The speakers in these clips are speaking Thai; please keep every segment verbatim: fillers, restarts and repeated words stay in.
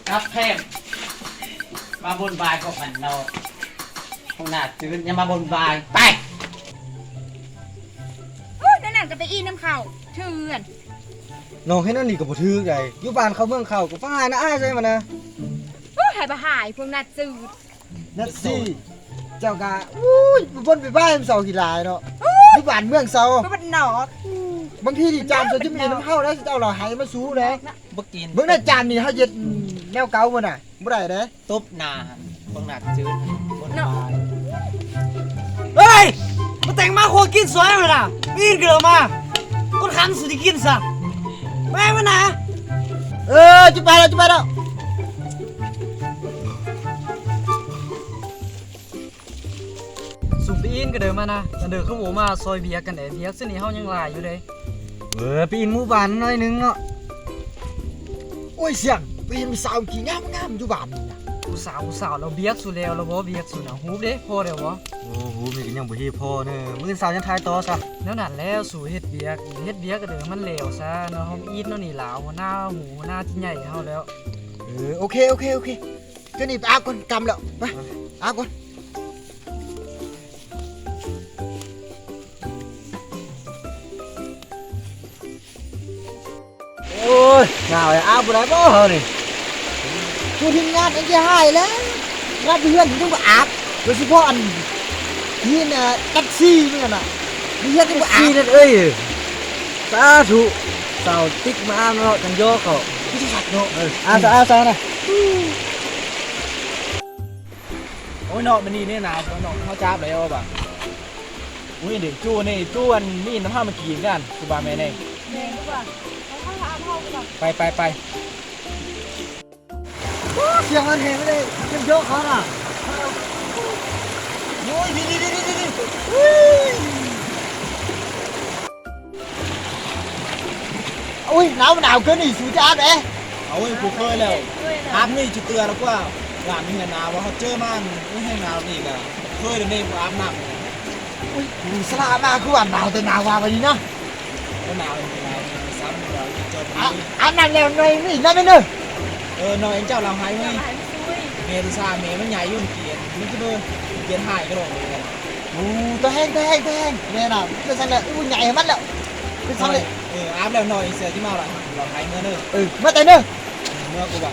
ครับเทพมาบนบายพวกมันเราพวกน่าจืดอย่ามาบนบายไปนั่นน่ะจะไปอีน้ำเข่าเถื่อนน้องให้นั่นนี่กับบ่ถือไงอยู่บ้านเขาเมืองเขาก็ฟ้านะอ้ายใช่มั้ยนะหายไปหายพวกน่าจืดนัดสิเจ้ากะอุ้ยบ่นไปบ้านเสากี่ลายเนาะอยู่บ้านเมืองเสาก็มันหนอกบางทีนี่จามจะจะมีน้ำเฮาแล้วเจ้าเราหายมาสู้เด้บ่กินเบิ่งน่ะจามนี่เฮาเฮ็ดแนวเก่าบ่น่ะบ่ได้เด้ตบหน้าพวกน่าจืดบนบายเฮ้ยมาแต่งมาโคกินสวยมั้ยล่ะมีนเกิดมาคนคันสุดที่กินซะแม่มานะเออจะไปแล้วจะไปแล้วสุปีนก็เดินมานะแต่เดินขึ้นหมูมาซอยเบียกันเด้เบียกเส้นนี้เฮายังหลายอยู่เลยเออปีนหมู่บ้านหน่อยนึงเนาะโอ้ยเสียงปีนมีสาวกี่งามๆอยู่บ้านนี่นะผู้สาวผู้สาวเราเบียกสุแล้วเราบ่เบียกสุนะฮูบเด้พอเด้อบ่โอ้โหมีกันยังบ่เฮ็ดพอเด้อมื้อสาวยังทายต่อซะแล้วนั่นแล้วสู่เฮ็ดเบียกเฮ็ดเบียกก็เด้อมันเลวซะเนาะเฮาอีทเนาะนี่ลาวหัวหน้าหูหัวหน้าที่ใหญ่เฮาแล้วเออโอเคโอเคโอเคเจ้านี่ไปอาบก่อนกำแล้วไปอาบก่อนโอ้ยหนาวเลยอาบบ่ได้บ่เฮานี่ผู้ทีมงานอันจะหายแล้วงานเพื่อนถึงบ่อาบโดยเฉพาะอันที่น่ะแท็กซี่นี่น่ะเพื่อนถึงบ่อาบนั่นเอ้ยสาธุสาวติ๊กมาอาบเนาะจังโยเขาพี่สิสัตว์เนาะเอออาบอาบซะนะโอ้ยเนาะมันนี่เนี่ยนะเนาะเขาจับแล้วป่ะอุ้ยเด็กจู้นี่จู้อันนี่น้ำผ้ามากินกันคือบาแม่เน่แม่ดีกว่าเขาเข้าอาบห้องก่อนไปไปไปเสียงมันเห็นไม่ได้จังโยเขาน่ะโอ้ยดีดีดีดีดีอุ้ยหนาวหนาวเกินนี่สูจ้าเด้เอาไว้กูเคยแล้วอาบนี่จุดเตือนแล้วว่าหลานมีหนาวว่าเขาเจอมันไม่ให้หนาวนี่กันเคยเดี๋ยวนี้กูอาบน้ำอุ้ยสลามาคือว่าหนาวแต่หนาวว่าไปนี่นะก็หนาวเป็นไรซ้ำเราจนอาบน้ำแล้วหน่อยนี่นั่นไม่เนอะเออหน่อยเจ้าเราหายไหมเมย์ซาเมย์มันใหญ่ยุ่งเกียร์มันจะเดินเกียร์หายก็ลงเลยโอ้ตัวแห้งตัวแห้งตัวแห้งเนี่ยนะเป็นสังเลยอุ้ยใหญ่มันแล้วเป็นสังเลยเอออาบแล้วหน่อยเสียที่มาหรอเราหายเมื่อเนอะเออเมื่อแต่เนอะเมื่อกูแบบ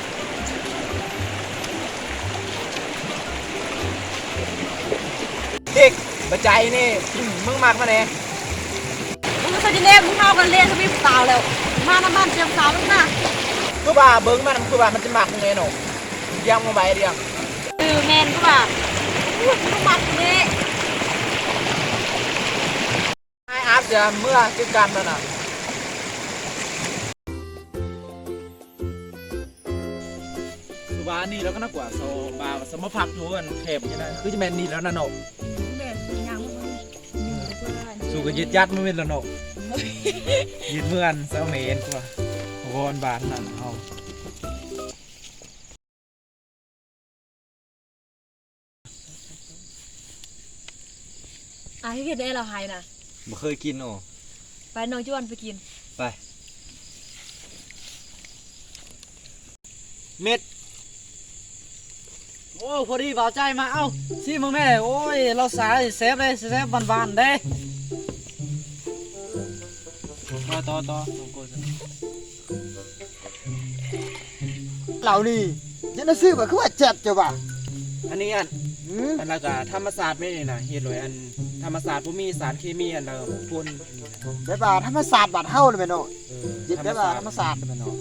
เด็กปัจจัยนี่มึงมากมาเนี่ยมึงก็จะเล่นมึงเข้ากันเล่นสวิปสาวแล้วมาน้ำบ้านเจียมสาวมึงนะคือว่าเบิ้งมันคือว่ามันจะหมักไงหนูยังมาใบเดียวเออแมนก็ว่าอุ้ยมึงหมักนี่ไอ้อาบจะเมื่อจิกันแล้วน่ะคือว่านี่แล้วก็น่ากว่าโซบาสมพักอยู่กันเทปใช่ไหมคือจะแมนนี่แล้วนะหนูแมนยังสู้กับยึดยัดไม่เป็นแล้วหนูยึดเมื่อนเซลเมนกว่าโอนบานนั่นเอาอ่ะที่เกิดได้เราหายนะบ่เคยกินโอ้ไปน้องจวนไปกินไปเม็ดโอ้พอดีบ่าวใจมาเอ้าซิมึงแม่โอ้ยเราสายเซฟเลยเซฟบานๆเด้ต่อต่อต่อเหล่านี่ยันซื้อแบบคือว่าเจ็บจ้ะบ่ะอันนี้อันอันละก็ธรรมศาสตร์ไม่นี่นะเฮ็ดเลยอันธรรมศาสตร์บ่มีสารเคมีอันละพ่นแบบว่าธรรมศาสตร์บาดเฮาเลยแม่เนาะยึดแบบว่าธรรมศาสตร์แม่เนาะ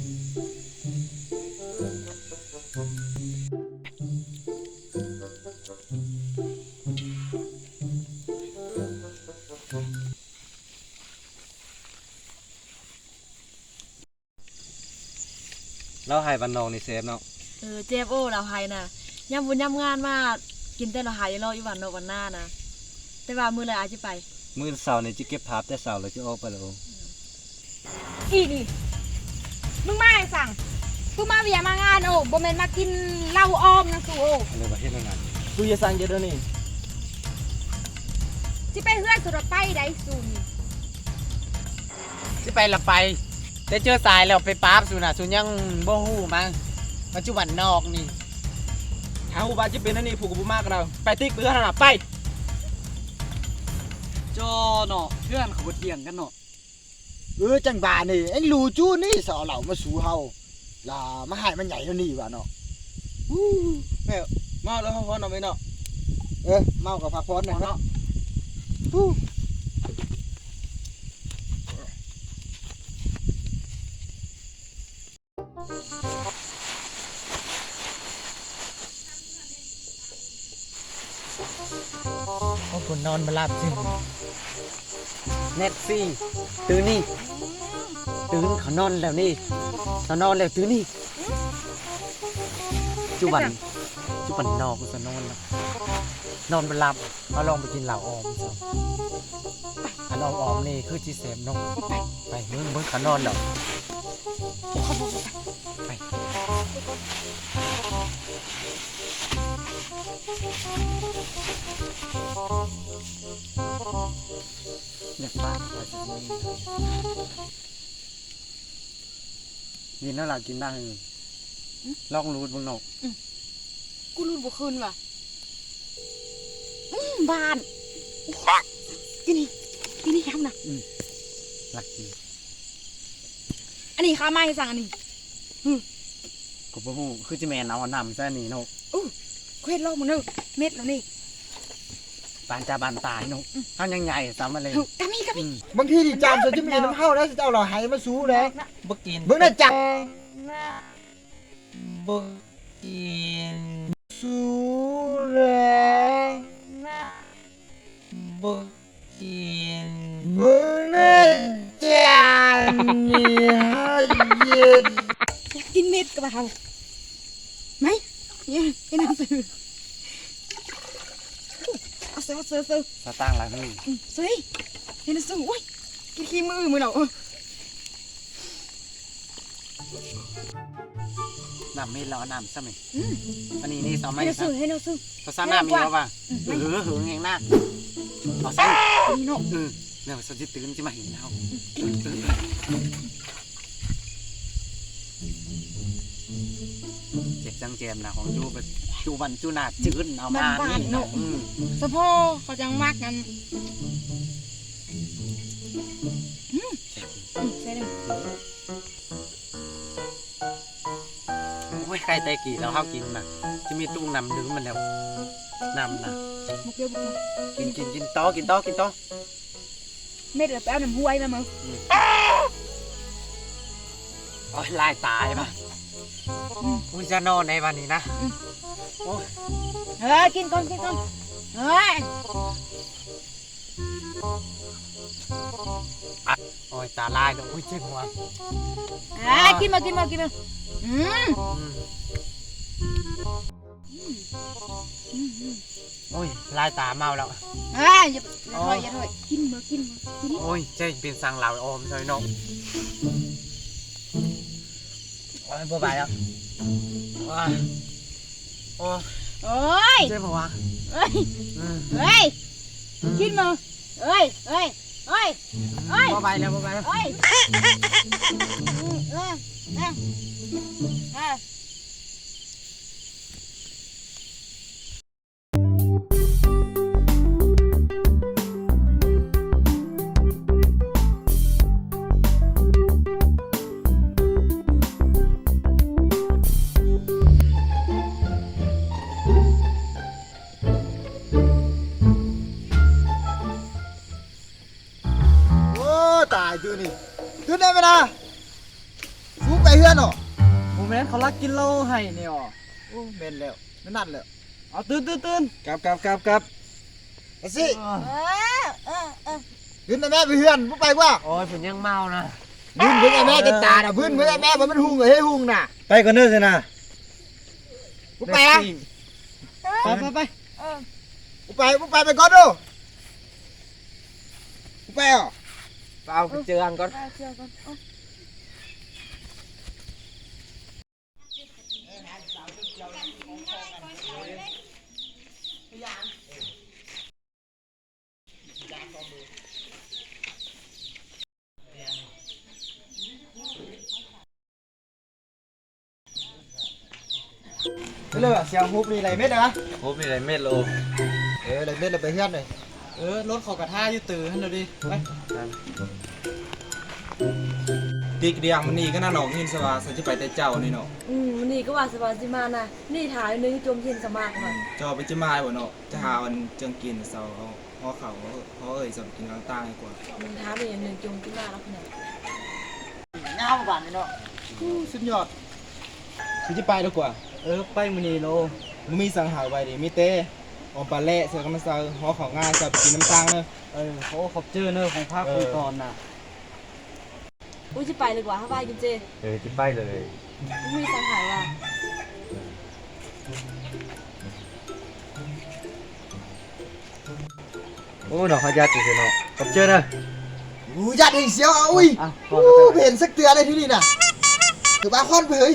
เราหายวันนองในเซฟเนาะเออเจ็บโอ้เราหายนะย่ำบุญย่ำงานมากินแต่เราหายรออีวันโนวันหน้านะแต่ว่ามือเลยอาจจะไปมือเสาร์เนี่ยจะเก็บภาพแต่เสาร์เราจะออกไปแล้วอีนี่มึงมาให้สั่งมึงมาเวียมางานโอ้บ่แม่นมากินเหล้าอ้อมนะสูโอ้อะไรประเทศนั้นกูจะสั่งเยอะนี่ที่ไปเฮือนสุดไปได้สูนี่ที่ไปละไปแต่เจอสายแล้วไปป๊าบสูน่ะสูยังบ่ฮู้มั้งปัจจุบันนอกนี่ถ้าหูบาจะเป็นอันนี้ผูกกับบุมากกันเราไปติ๊กไปเพื่อนน่ะไปจอเนาะเพื่อนเขาบ่เถียงกันเนาะเออจังบานี่ไอ้ลูจู้นี่สอเหล่ามาสู่เฮาล่ะมาให้มันใหญ่เท่านี้ว่ะเนาะแม่มาแล้วเขาพอนเอาไปเนาะเออเมากับพักผ่อนหน่อยเนาะโอ้คนนอนมาหลับจริงเน็ตซี่ตื่นนี่ตื่นเขานอนแล้วนี่เขานอนแล้วตื่นนี่จุบันจุบันนอกกูจะนอนแล้วนอนบ่หลับเอาลองไปกินเหล้าออมซะอันออมออมนี่คือจีเสมนกไปมึงมึงเขานอนแล้วไปอยากบ้านว่าจะมีกินแล้วล่ะกินได้เลยลองรูดบางนกกูรู้บ่คืนว่ะอืมบ้านกินนี่กินนี่ครับน่ะหลักกินอันนี้ข้าไม่สั่งอันนี้กูบ่ฮู้คือจิแม่นเอาอันนำซะนี่นกเควดโลกมันเนอะเม็ดแล้วนี่ปานจาบานตายนกเฮายังใหญ่ซ้ำมาเลยเฮ้ยกะมีกะมีบางทีดิจามจะมีน้ำเข้าแล้วจะเอาเราหายมาสู้เลยบ่กินเบิ่งได้จับบ่กินสู้เลยบ่กินเบิ่งได้จับนี่ให้เย็นอยากกินเม็ดกับเราไหมเนี่ยไอ้น้ำซื้อเอาเสือเอาเสือเสือสตางค์หลายมืออืมซื้อเห็นซื้อโอ้ยกินขี้มือมือเราเออน้ำมีแล้วเอาน้ำซะมั้ยอืมอันนี้นี่ซ้ำไหมให้เราซะซื้อให้เราซื้อภาษาน้ำมีแล้วป่ะอืมเออหึงแห่งหน้าเอาใส่นี่เนาะเออแล้วสจิตื่นจะมาเห็นเฮาเจ็บจังแจมนะของจูแบบจูบันจูนาจืดเอามานี่อืมสะโพกเขาจังมากกันอืมอืมใช่เลยโอ้ยใครแต่กี่แล้วเฮากินน่ะจะมีตุ้งนำดึงมันแล้วนำน่ะมุกเดียวมุกเดียวกินกินกินต่อกินต่อกินต่อเม็ดเหลือไปเอาน้ำห้วยมามึงโอ้ยลายตายป่ะกูจะนอนในวันนี้นะโอ้ยเฮ้ยกินก่อนกินก่อนเฮ้ยโอ้ยตาลายแล้วโอ้ยเจ็บหัวเฮ้ยกินมากินมากินมาอืมอืมโอ้ยลายตาเมาแล้วเฮ้ยอย่าอย่าถอยอย่าถอยกินมากินมากินโอ้ยเจ๊เป็นสังเหลาอมใช่น้องโอ้ยบ่ไหวแล้วโอ้ยโอ้ยโอ้ยเจ็บหัวเฮ้ยอืมเฮ้ยกินมาเฮ้ยเฮ้ยเฮ้ยเฮ้ยบ่ไหวแล้วบ่ไหวแล้วเฮ้ยอืมเออเออเออโอ้ตายตื่นนี่ตื่นได้ไหมนะสู้ไปเฮือนเหรอผมแม่นเขารักกินเหล้าให้เนี่ยอ๋อโอ้เมนแล้วไม่นั่นแล้วเอาตื่นตื่นตื่นกลับกลับกลับกลับไอ้สิเออเออเออขึ้นไปแม่ไปเฮือนผู้ไปว่าโอ้ยผมยังเมานะพื้นเพื่อนไอ้แม่จะตาน่ะพื้นเพื่อนไอ้แม่ว่ามันหุงเหรอเฮ้ยหุงน่ะไปก่อนเด้อสินะผู้ไปอ่ะไปไปไปเออผู้ไปผู้ไปไปก่อนดูผู้ไปอ่ะเอาเจอกันก่อนไปเจอกันเอาเลยเสียงฮุบนี่ไรเม็ดนะโอ้มีอะไรเม็ดโลเออไรเม็ดเราไปเฮือนเลยเออรถเขากระท่าอยู่ตื่นให้เราดิไปติ๊กเดียงมันนี่ก็น่าหนองหินสวาสันจะไปแต่เจ้านี่เนาะอืมวันนี้ก็ว่าสบายสิมานะนี่ถ่ายนึงจมเย็นสมากมันเจ้าไปจะมาบ่เนาะจะหาวันเจังกินเสาเขาเพราะเขาเพราะเอ่ยสำกินกลางตางดีกว่ามันท้าไปอย่างหนึ่งจมที่มาแล้วขนาดเงาบ้านนี่เนาะสุดยอดสิจะไปดีกว่าเออไปมื้อนี้โลมึงมีสังหารไว้ดิมีเต้ออมปลาเละเสือกับมันเซาหอของง่ายจะไปกินน้ำตางเนอะเออเขาขอบเจอเนอะของภาคของตอนน่ะอุ้ยจะไปเลยกว่าถ้าไปกินเจเออจะไปเลยอุ้ยมีสังหารว่ะโอ้ดอกขยัดสิเนาะขอบเจอเนอะอู้ยัดให้เสียวเอาอุ้ยอ่ะอู้เห็นสักเตือเลยที่นี่น่ะถือว่าค่อนเผย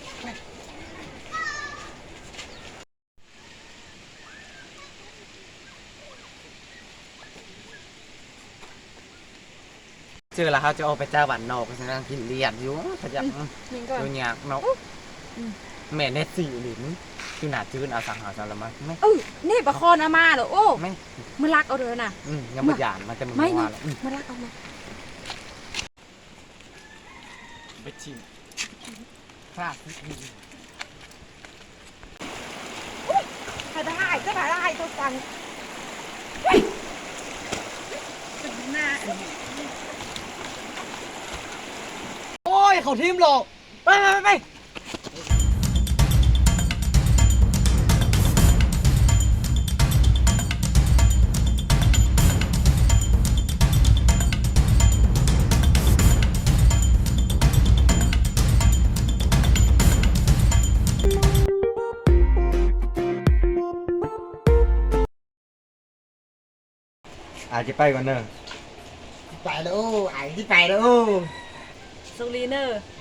เจอแล้วเขาจะเอาไปเจ้าบ้านนอกไปนั่งกินเลียดอยู่ขยับนี่ก่อนดูยากเนาะแม่เน็ตสี่หลินคือหนาจื้นเอาสังหารสารมาไม่เออนี่ประคอนอามาเหรอโอ้ไม่มันรักเอาเด้อน่ะอืมยังไม่หยานมันจะมึงไม่ว่าไม่แล้วอืมมันรักเอามาไปชิมพลาดถ่ายได้ก็ถ่ายได้ตัวสั่งเฮ้ยเป็นหน้าโอ้ยเขาทิมหรอกไปไปไปอาจจะไปก่อนเนอะไปแล้วโอ้ไอ้ที่ไปแล้วโอ้โซลีเนอร์